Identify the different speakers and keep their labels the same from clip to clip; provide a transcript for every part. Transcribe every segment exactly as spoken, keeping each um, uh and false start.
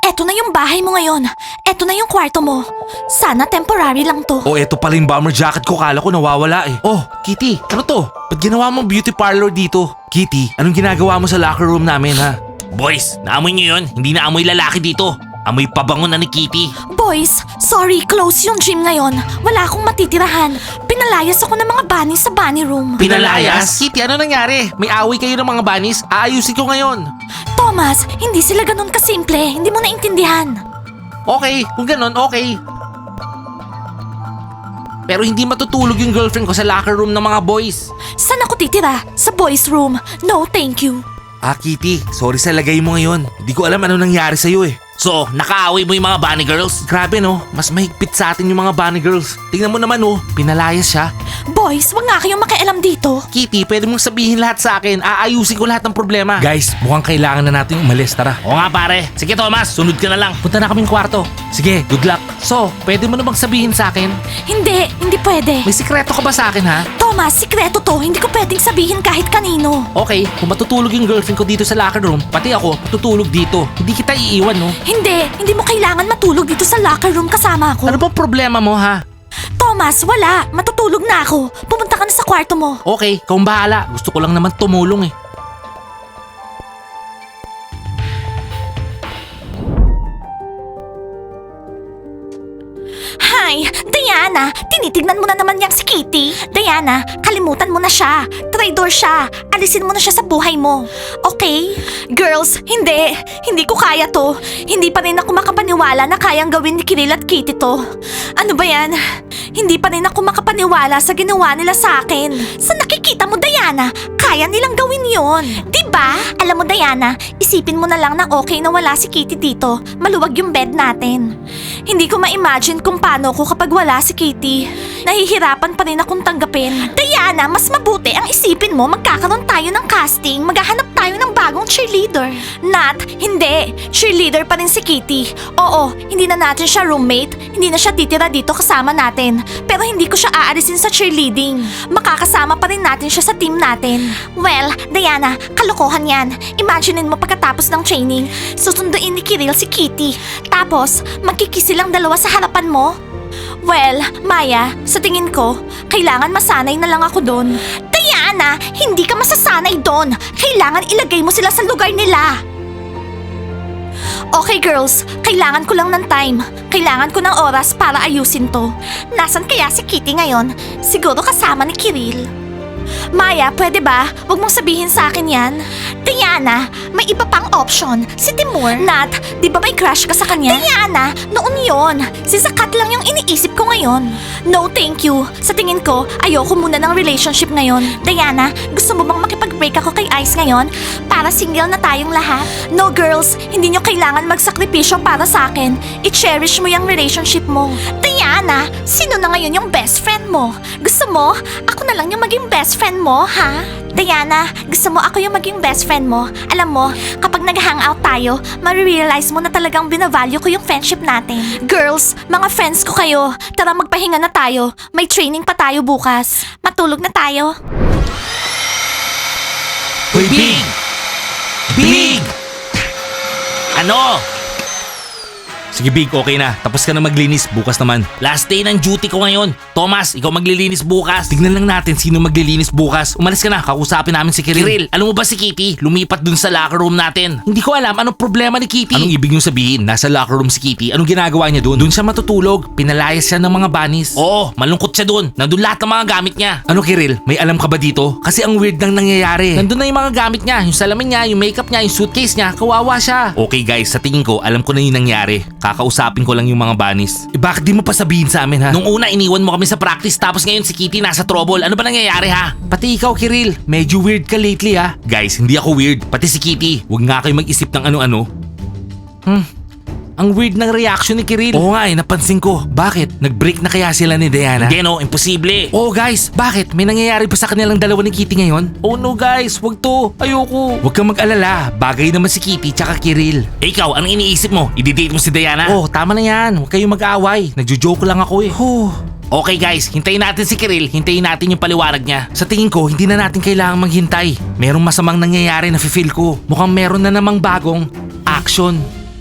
Speaker 1: Eto na yung bahay mo ngayon. Eto na yung kwarto mo. Sana temporary lang to.
Speaker 2: Oh, eto pala yung bomber jacket ko. Kala ko nawawala eh. Oh, Kitty, ano to? Ba't ginawa mo beauty parlor dito? Kitty, anong ginagawa mo sa locker room namin ha?
Speaker 3: Boys, naamoy nyo yun? Hindi na amoy lalaki dito. Amoy pabango na ni Kitty.
Speaker 1: Boys, sorry, close yung gym ngayon. Wala akong matitirahan. Pinalayas ako ng mga bunnies sa bunny room.
Speaker 2: Pinalayas? Kitty, ano nangyari? May away kayo ng mga bunnies? Aayusin ko ngayon.
Speaker 1: Thomas, hindi sila ganun kasimple. Hindi mo naintindihan.
Speaker 2: Okay, kung ganon, okay. Pero hindi matutulog yung girlfriend ko sa locker room ng mga boys.
Speaker 1: Saan ako titira? Sa boys room. No, thank you.
Speaker 2: Ah, Kitty, sorry sa lagay mo ngayon. Hindi ko alam ano nangyari sa'yo eh.
Speaker 3: So, nakaaway mo yung mga bunny girls?
Speaker 2: Grabe no, mas mahigpit sa atin yung mga bunny girls. Tingnan mo naman oh, pinalayas siya.
Speaker 1: Boys, wag nga kayong makialam dito.
Speaker 2: Kitty, pwede mong sabihin lahat sa akin. Aayusin ko lahat ng problema. Guys, mukhang kailangan na natin umalis. Tara.
Speaker 3: Oo nga pare. Sige Thomas, sunod ka na lang.
Speaker 2: Punta na kaming kwarto. Sige, good luck. So, pwede mo na bang sabihin sa akin?
Speaker 1: Hindi, hindi pwede.
Speaker 2: May sikreto ka ba sa akin ha?
Speaker 1: Thomas, sikreto to. Hindi ko pwedeng sabihin kahit kanino.
Speaker 2: Okay, kung matutulog yung girlfriend ko dito sa locker room, pati ako matutulog dito. Hindi kita iiwan no?
Speaker 1: Hindi, hindi mo kailangan matulog dito sa locker room kasama ako.
Speaker 2: Ano bang problema mo ha?
Speaker 1: Thomas, wala. Matutulog na ako. Pumunta ka na sa kwarto mo.
Speaker 2: Okay, kung bahala. Gusto ko lang naman tumulong eh.
Speaker 1: Hi, Diana, tinitignan mo na naman yang si Kitty. Diana, kalimutan mo na siya. Traidor siya. Alisin mo na siya sa buhay mo. Okay? Girls, hindi. Hindi ko kaya to. Hindi pa rin ako makapaniwala na kayang gawin ni Kiril at Kitty to. Ano ba yan? Hindi pa rin ako makapaniwala sa ginawa nila sa akin. Sa nakikita mo, Diana, kaya nilang gawin yon. Diba? Alam mo, Diana, isipin mo na lang na okay na wala si Kitty dito. Maluwag yung bed natin. Hindi ko ma-imagine kung paano ko kapag wala si Kitty. Nahihirapan pa rin akong tanggapin. Diana, mas mabuti ang isipin mo magkakaroon tayo ng casting. Maghahanap tayo ng bagong cheerleader. Nat, hindi. Cheerleader pa rin si Kitty. Oo, hindi na natin siya roommate. Hindi na siya titira dito kasama natin. Pero hindi ko siya aalisin sa cheerleading. Makakasama pa rin natin siya sa team natin. Well, Diana, kalokohan yan. Imaginein mo pagkatapos ng training, susunduin ni Kiril si Kitty. Tapos, magkikisi lang dalawa sa harapan mo. Well, Maya, sa tingin ko, kailangan masanay na lang ako doon. Diana, hindi ka masasanay doon. Kailangan ilagay mo sila sa lugar nila. Okay girls, kailangan ko lang ng time. Kailangan ko ng oras para ayusin to. Nasaan kaya si Kitty ngayon? Siguro kasama ni Kiril. Maya, pwede ba? Huwag mong sabihin sa akin yan. Diana, may iba pang option. Si Timur. Nat, di ba may crush ka sa kanya? Diana, noon yon. Si Zakat lang yung iniisip ko ngayon. No, thank you. Sa tingin ko, ayoko muna ng relationship ngayon. Diana, gusto mo bang makipag-break ako kay Ice ngayon? Para single na tayong lahat? No, girls. Hindi nyo kailangan magsakripisyo para sa akin. I-cherish mo yung relationship mo. Diana, sino na ngayon yung best friend mo? Gusto mo? Ako na lang yung maging best friend mo, ha? Diana, gusto mo ako yung maging best friend mo? Alam mo, kapag nag-hangout tayo, marirealize mo na talagang binavalue ko yung friendship natin. Girls, mga friends ko kayo. Tara magpahinga na tayo. May training pa tayo bukas. Matulog na tayo.
Speaker 3: Hoy, Big! Big! Ano?
Speaker 2: Sige Big, okay na. Tapos ka na maglinis. Bukas naman.
Speaker 3: Last day ng duty ko ngayon. Thomas, ikaw maglilinis bukas.
Speaker 2: Tignan lang natin sino maglilinis bukas. Umalis ka na. Kakusapin namin si Kiril.
Speaker 3: Kiril, alam mo ba si Kitty? Lumipat dun sa locker room natin.
Speaker 2: Hindi ko alam anong problema ni Kitty. Anong ibig niyong sabihin? Nasa locker room si Kitty. Anong ginagawa niya doon? Doon siya matutulog. Pinalayas siya ng mga bunnies.
Speaker 3: Oo, malungkot siya dun. Nandun lahat ng mga gamit niya.
Speaker 2: Ano Kiril? May alam ka ba dito? Kasi ang weird nang nangyayari. Nandun na yung mga gamit niya. Yung salamin niya, yung makeup niya, yung suitcase niya. Kawawa siya. Okay guys, sa tingin ko, alam ko na yung nangyari. Kakausapin ko lang yung mga bunnies. Eh bakit di mo pa sabihin sa amin ha?
Speaker 3: Nung una, iniwan mo kami sa practice tapos ngayon si Kitty nasa trouble. Ano ba nangyayari ha?
Speaker 2: Pati ikaw Kiril, medyo weird ka lately ha. Guys, hindi ako weird. Pati si Kitty, huwag nga kayo mag-isip ng ano-ano. Hmm, ang weird ng reaction ni Kiril. Oo nga eh, napansin ko. Bakit? Nag-break na kaya sila ni Diana?
Speaker 3: Hindi no, imposible.
Speaker 2: Oh guys, bakit? May nangyayari ba sa kanilang dalawa ni Kitty ngayon? Oh no guys, wag to. Ayoko. Huwag kang mag-alala. Bagay naman si Kitty tsaka Kiril.
Speaker 3: Eh, ikaw, anong iniisip mo? I-date mo si Diana?
Speaker 2: Oh, tama na yan. Huwag kayong mag-aaway. Nagjo-joke lang ako eh. Huh.
Speaker 3: Okay guys, hintayin natin si Kiril. Hintayin natin yung paliwanag niya.
Speaker 2: Sa tingin ko, hindi na natin kailangang maghintay. Merong masamang nangyayari na feel ko. Mukhang meron na namang bagong action.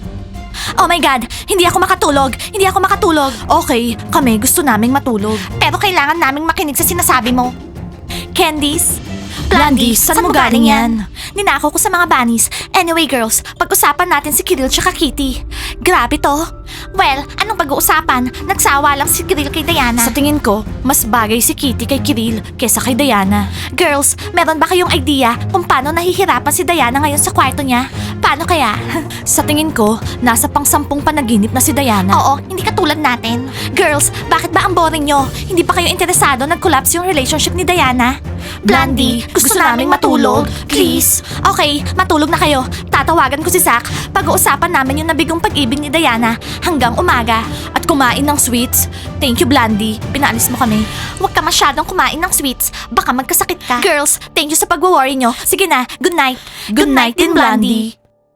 Speaker 1: Oh my God, hindi ako makatulog. Hindi ako makatulog. Okay, kami gusto naming matulog. Pero kailangan naming makinig sa sinasabi mo. Candies? Blondie, saan mo galing yan? Ninakaw ko sa mga bunnies. Anyway girls, pag-usapan natin si Kiril tsaka Kitty. Grabe to. Well, anong pag-uusapan? Nagsawa lang si Kiril kay Diana. Sa tingin ko, mas bagay si Kitty kay Kiril kesa kay Diana. Girls, meron ba kayong idea kung paano nahihirapan si Diana ngayon sa kwarto niya? Paano kaya? Sa tingin ko, nasa pang sampung panaginip na si Diana. Oo, hindi katulad natin. Girls, bakit ba ang boring nyo? Hindi pa kayo interesado nag-collapse yung relationship ni Diana? Blondie, gusto, naming matulog. Please. Okay, matulog na kayo. Tatawagan ko si Zach. Pag-uusapan namin yung nabigong pag-ibig ni Diana hanggang umaga. At kumain ng sweets. Thank you, Blondie. Pinaalis mo kami. Huwag ka masyadong kumain ng sweets. Baka magkasakit ka. Girls, thank you sa pag-worry nyo. Sige na, good night. Good, night din, Blondie.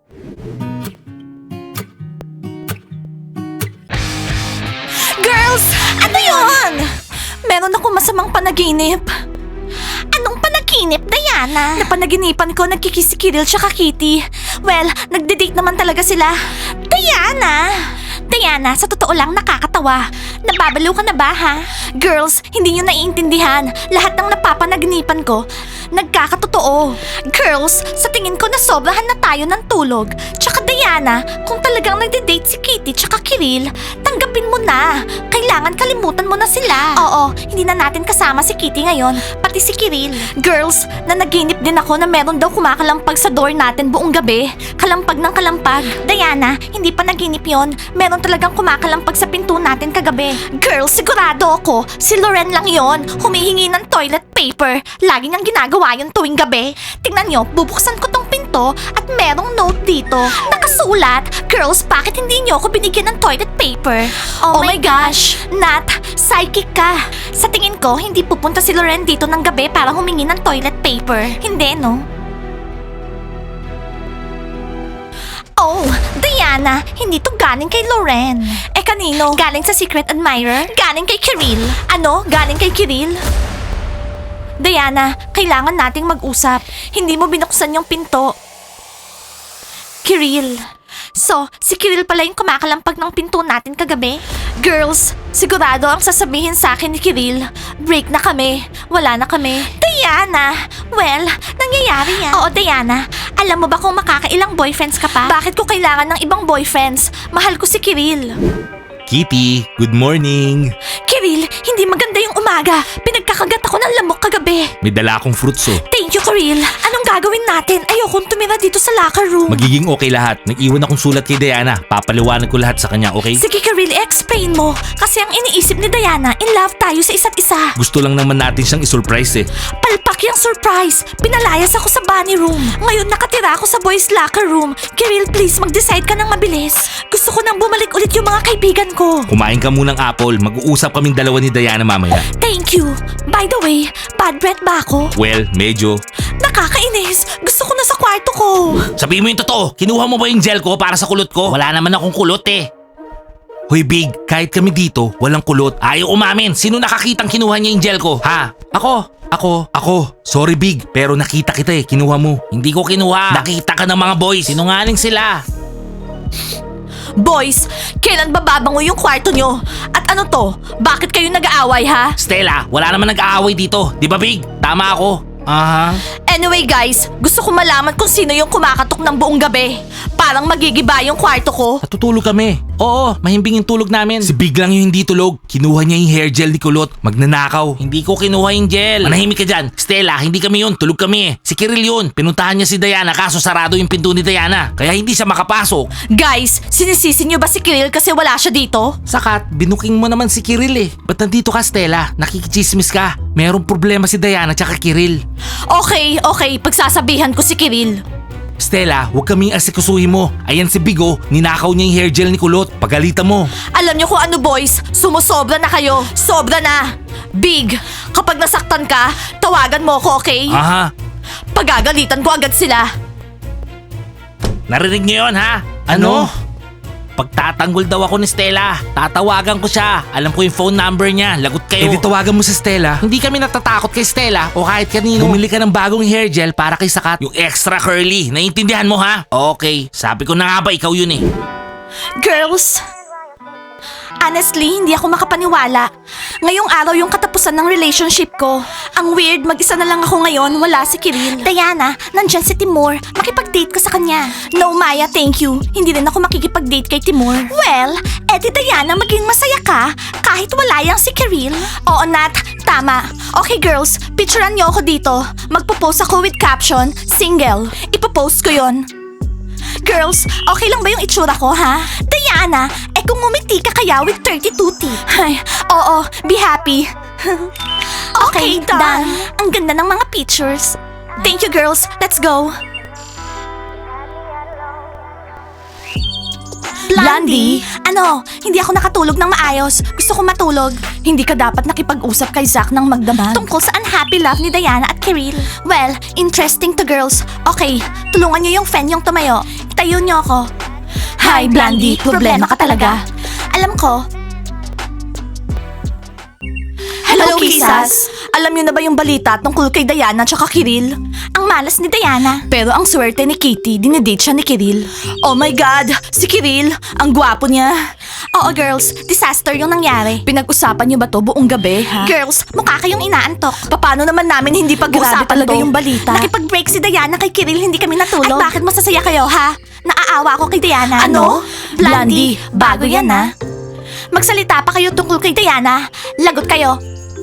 Speaker 1: Girls, ano yun? Meron ako masamang panaginip. Anong panaginip, Diana? Napanaginipan ko nagkikiss si Kiril tsaka Kitty. Well, nagde-date naman talaga sila. Diana! Diana, sa totoo lang nakakatawa. Nababaliw ka na ba, ha? Girls, hindi nyo naiintindihan. Lahat ng napapanaginipan ko, nagkakatotoo. Girls, sa tingin ko nasobrahan na tayo ng tulog. Tsaka Diana, kung talagang nagde-date si Kitty tsaka Kiril, tanggapin mo na. Kailangan kalimutan mo na sila. Oo, hindi na natin kasama si Kitty ngayon, pati si Kiril. Girls, nanaginip din ako na meron daw kumakalampag sa door natin buong gabi. Kalampag ng kalampag. Diana, hindi pa naginip yon. Meron talagang kumakalampag sa pinto natin kagabi. Girls, sigurado ako, si Loren lang yon. Humihingi ng toilet paper. Lagi niyang ginagawa yun tuwing gabi. Tingnan niyo, bubuksan ko tong pinto at merong note dito. Nakasulat, girls, bakit hindi niyo ako binigyan ng toilet paper? Oh, my gosh, Nat, psychic ka. Sa tingin ko, hindi pupunta si Loren dito ng gabi para humingi ng toilet paper. Hindi, no? Oh, Diana, hindi to galing kay Loren. Eh kanino? Galing sa secret admirer? Galing kay Kiril. Ano? Galing kay Kiril? Diana, kailangan nating mag-usap. Hindi mo binuksan yung pinto. Kiril. So, si Kiril pala yung kumakalampag ng pinto natin kagabi? Girls, sigurado ang sasabihin sa akin ni Kiril, break na kami, wala na kami. Diana! Well, nangyayari yan. Oo, Diana. Alam mo ba kung makakailang boyfriends ka pa? Bakit ko kailangan ng ibang boyfriends? Mahal ko si Kiril.
Speaker 2: Kitty, good morning.
Speaker 1: Kiril, hindi maganda yung umaga. Pinagkakagat ako ng lamok kagabi.
Speaker 2: May dala akong fruits oh.
Speaker 1: Thank you, Kiril. Anong gagawin natin? Ayokong tumira dito sa locker room.
Speaker 2: Magiging okay lahat. Nag-iwan akong sulat kay Diana. Papaliwanag ko lahat sa kanya, okay?
Speaker 1: Sige, Kiril, explain mo. Kasi ang iniisip ni Diana, in love tayo sa isa't isa.
Speaker 2: Gusto lang naman natin siyang isurprise eh.
Speaker 1: Palpak yung surprise. Pinalayas ako sa bunny room. Ngayon nakatira ako sa boys locker room. Kiril, please mag-decide ka ng mabilis. Gusto ko nang bumalik ulit yung mga kaibigan ko.
Speaker 2: Kumain ka munang apple. Mag-uusap kaming dalawa ni Diana mamaya.
Speaker 1: Thank you. By the way, bad breath ba ako?
Speaker 2: Well, medyo.
Speaker 1: Nakakainis. Gusto ko na sa kwarto ko.
Speaker 3: Sabihin mo yung totoo. Kinuha mo ba yung gel ko para sa kulot ko? Wala naman akong kulot eh.
Speaker 2: Hoy Big, kahit kami dito, walang kulot.
Speaker 3: Ayaw umamin. Sino nakakitang kinuha niya yung gel ko? Ha?
Speaker 2: Ako, ako, ako. Sorry Big, pero nakita kita eh. Kinuha mo.
Speaker 3: Hindi ko kinuha. Nakita ka ng mga boys. Sinungaling sila.
Speaker 1: Boys, kailan ba babango yung kwarto nyo? At ano to? Bakit kayo nag-aaway ha?
Speaker 3: Stella, wala naman nag-aaway dito. Di ba Big? Tama ako.
Speaker 2: Aha.
Speaker 1: Anyway guys, gusto ko malaman kung sino yung kumakatok ng buong gabi. Parang magigiba yung kwarto ko.
Speaker 2: Natutulog kami. Oo, mahimbing yung tulog namin. Si Big lang yung hindi tulog. Kinuha niya yung hair gel ni Kulot. Magnanakaw.
Speaker 3: Hindi ko kinuha yung gel. Manahimik ka dyan. Stella, hindi kami yun. Tulog kami eh. Si Kiril yun. Pinuntahan niya si Diana kaso sarado yung pinto ni Diana. Kaya hindi siya makapasok.
Speaker 1: Guys, sinisisi nyo ba si Kiril kasi wala siya dito?
Speaker 2: Sakat, binuking mo naman si Kiril eh. Ba't nandito ka, Stella? Nakikichismis ka. Merong problema si Diana tsaka Kiril.
Speaker 1: Okay, okay, pagsasabihan ko si Kiril.
Speaker 2: Stella, huwag kaming asikusuhin mo. Ayan si Bigo, ninakaw niya yung hair gel ni Kulot. Pagalitan mo.
Speaker 1: Alam nyo kung ano boys, sumusobra na kayo. Sobra na. Big, kapag nasaktan ka, tawagan mo ako, okay?
Speaker 2: Aha.
Speaker 1: Pagagalitan ko agad sila.
Speaker 3: Narinig niyo yun ha?
Speaker 2: Ano?
Speaker 3: Pagtatanggol daw ako ni Stella. Tatawagan ko siya. Alam ko yung phone number niya. Lagot
Speaker 2: Eh
Speaker 3: kayo.
Speaker 2: di tawagan mo si Stella.
Speaker 3: Hindi kami natatakot kay Stella o kahit kanino.
Speaker 2: Bumili ka ng bagong hair gel para kay Sakat.
Speaker 3: Yung extra curly. Naiintindihan mo ha? Okay. Sabi ko na nga ba ikaw yun eh.
Speaker 1: Girls, honestly, hindi ako makapaniwala. Ngayong araw yung katapusan ng relationship ko. Ang weird, mag-isa na lang ako ngayon, wala si Kiril. Diana, nandyan si Timur. Makipag-date ka sa kanya. No, Maya, thank you. Hindi rin ako makikipag-date kay Timur. Well, edi Diana, maging masaya ka kahit wala yang si Kiril. Oo, Nat, tama. Okay, girls, picturean niyo ako dito. Magpo-post ako with caption, single. Ipo-post ko yon. Girls, okay lang ba yung itsura ko, ha? Diana, eh kung ngumiti ka kaya with thirty-two teeth. Ay, oo, be happy. okay, done. Ang ganda ng mga pictures. Thank you, girls. Let's go. Blondie? Ano? Hindi ako nakatulog ng maayos. Gusto ko matulog. Hindi ka dapat nakipag-usap kay Zack ng magdamag. Tungkol sa unhappy love ni Diana at Kiril. Well, interesting to girls. Okay, tulungan niyo yung fan yung tumayo. Itayo niyo ako. Hi, Blondie. Problema ka talaga. Alam ko. Hello, Kisas. Alam niyo na ba yung balita tungkol kay Diana at Kiril? Ang malas ni Diana. Pero ang swerte ni Kitty, dinedate siya ni Kiril. Oh my God! Si Kiril! Ang gwapo niya! Oo, girls. Disaster yung nangyari. Pinag-usapan niyo ba to buong gabi, ha? Girls, mukha kayong inaantok. Paano naman namin hindi pag-usapan talaga
Speaker 4: to?
Speaker 1: yung balita? Nakipag-break si Diana kay Kiril, hindi kami natulog. At bakit masasaya kayo, ha? Naaawa ako kay Diana.
Speaker 4: Ano?
Speaker 1: Blondie, bago yan, ha? Magsalita pa kayo tungkol kay Diana. Lagot kayo.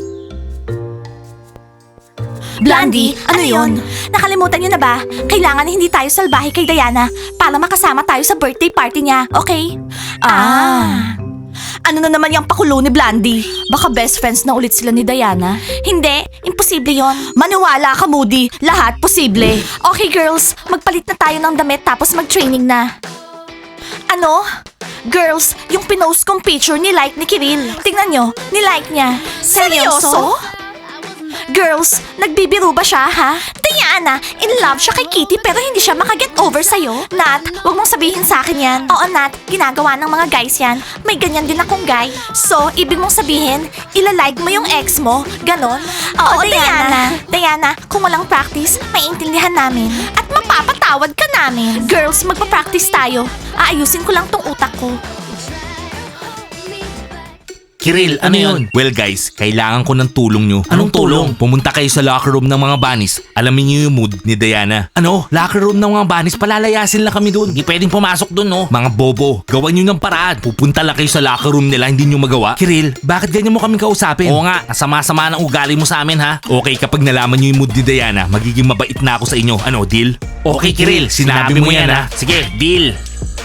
Speaker 1: Blondie, ano yun? Nakalimutan niyo na ba? Kailangan hindi tayo salbahe kay Diana para makasama tayo sa birthday party niya, okay? Ah. Ano na naman yung pakulo ni Blondie? Baka best friends na ulit sila ni Diana. Hindi, imposible yon. Maniwala ka, Moody. Lahat posible. Okay, girls, magpalit na tayo ng damit tapos mag-training na. Ano? Girls, yung pinost kong picture ni-like ni Kiril. Tingnan nyo, ni-like niya. Seryoso? Girls, nagbibiro ba siya, ha? Diana, in love siya kay Kitty pero hindi siya makaget over sa'yo. Nat, wag mong sabihin sa akin yan. Oo, Nat, ginagawa ng mga guys yan. May ganyan din akong guy. So, ibig mong sabihin, ilalike mo yung ex mo? Ganon? Oo, Diana. Diana, kung walang practice, maiintindihan namin. At mapapatawad ka namin. Girls, magpa-practice tayo. Aayusin ko lang tong utak ko.
Speaker 2: Kiril, ano yun? Well guys, kailangan ko ng tulong nyo.
Speaker 3: Anong tulong?
Speaker 2: Pumunta kayo sa locker room ng mga bunnies. Alamin nyo yung mood ni Diana. Ano? Locker room ng mga bunnies? Palalayasin lang kami dun.
Speaker 3: Hindi pwedeng pumasok dun, no?
Speaker 2: Mga bobo, gawan nyo ng paraan. Pupunta lang kayo sa locker room nila, hindi nyo magawa. Kiril, bakit ganyan mo kami kausapin?
Speaker 3: Oo nga, nasama-sama ng ugali mo sa amin, ha?
Speaker 2: Okay, kapag nalaman nyo yung mood ni Diana, magiging mabait na ako sa inyo. Ano, deal?
Speaker 3: Okay, Kiril, sinabi mo yan, ha? Sige, deal.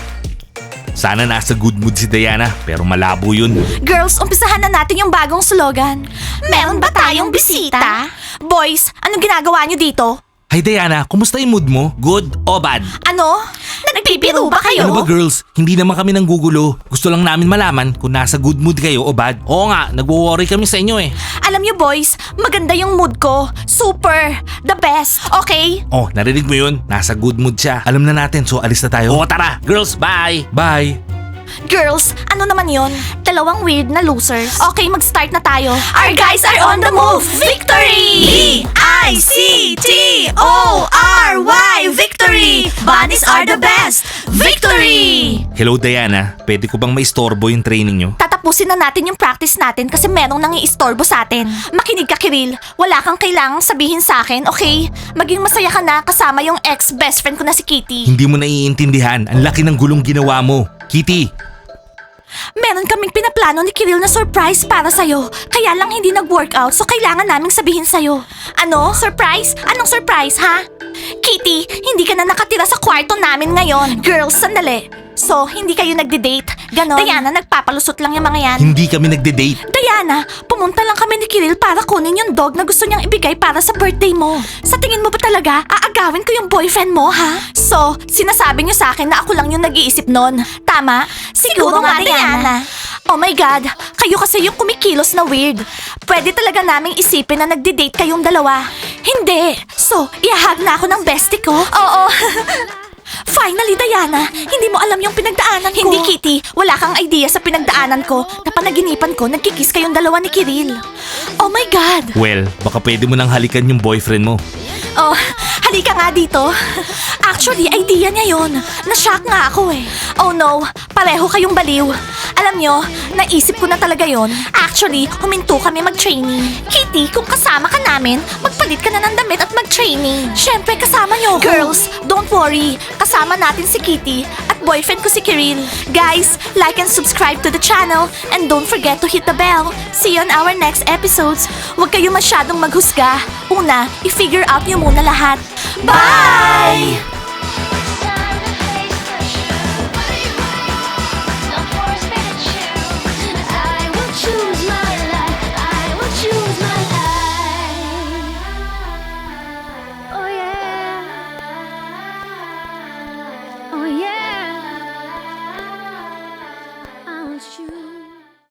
Speaker 2: Sana nasa good mood si Diana, pero malabo yun.
Speaker 1: Girls, umpisahan na natin yung bagong slogan. Meron ba tayong bisita? Boys, anong ginagawa niyo dito?
Speaker 2: Hi Diana, kumusta yung mood mo?
Speaker 3: Good o bad?
Speaker 1: Ano? Nagbibiro ba kayo?
Speaker 2: Ano ba girls? Hindi naman kami nanggugulo. Gusto lang namin malaman kung nasa good mood kayo o bad.
Speaker 3: Oo nga, nagwo-worry kami sa inyo eh.
Speaker 1: Alam niyo boys, maganda yung mood ko. Super! The best! Okay?
Speaker 2: Oh, narinig mo yun? Nasa good mood siya. Alam na natin, so alis na tayo.
Speaker 3: Oo, tara. Girls, bye!
Speaker 2: Bye!
Speaker 1: Girls, ano naman yon? Dalawang weird na losers. Okay, mag-start na tayo. Our guys are on the move! Victory! V I C T O R Y! Victory! Bunnies are the best! Victory!
Speaker 2: Hello Diana, pwede ko bang maistorbo yung training nyo?
Speaker 1: Tatapusin na natin yung practice natin kasi merong nang iistorbo sa atin. Makinig ka, Kiril. Wala kang kailangang sabihin sa akin, okay? Maging masaya ka na kasama yung ex-best friend ko na si Kitty.
Speaker 2: Hindi mo naiintindihan. Ang laki ng gulong ginawa mo. Kitty!
Speaker 1: Meron kaming pinaplano ni Kiril na surprise para sa'yo. Kaya lang hindi nag-workout so kailangan naming sabihin sa'yo. Ano? Surprise? Anong surprise, ha? Kitty, hindi ka na nakatira sa kwarto namin ngayon. Girls, sandali. So, hindi kayo nagde-date? Ganon? Diana, nagpapalusot lang yung mga yan.
Speaker 2: Hindi kami nagde-date.
Speaker 1: Diana, pumunta lang kami ni Kiril para kunin yung dog na gusto niyang ibigay para sa birthday mo. Sa tingin mo ba talaga, aagawin ko yung boyfriend mo, ha? So, sinasabi niyo sa akin na ako lang yung nag-iisip nun. Tama? Siguro, nga, Diana. Oh my God, kayo kasi yung kumikilos na weird. Pwede talaga naming isipin na nagde-date kayong dalawa. Hindi. So, iahag na ako ng bestie ko? Oo. Finally, Diana, hindi mo alam yung pinagdaanan ko. Hindi, Kitty. Wala kang idea sa pinagdaanan ko. Napanaginipan ko, nagkikiss kayong dalawa ni Kiril. Oh my God!
Speaker 2: Well, baka pwede mo nang halikan yung boyfriend mo.
Speaker 1: Oh, halika nga dito. Actually, idea niya yon. Na-shock nga ako eh. Oh no, pareho kayong baliw. Alam nyo, naisip ko na talaga yon. Actually, huminto kami mag-training. Kitty, kung kasama ka namin, magpalit ka na ng damit at mag-training. Siyempre, kasama nyo ako. Girls, don't worry. Kasama natin si Kitty at boyfriend ko si Kiril. Guys, like and subscribe to the channel and don't forget to hit the bell. See you on our next episodes. Huwag kayo masyadong maghusga. Una, i-figure out nyo muna lahat. Bye!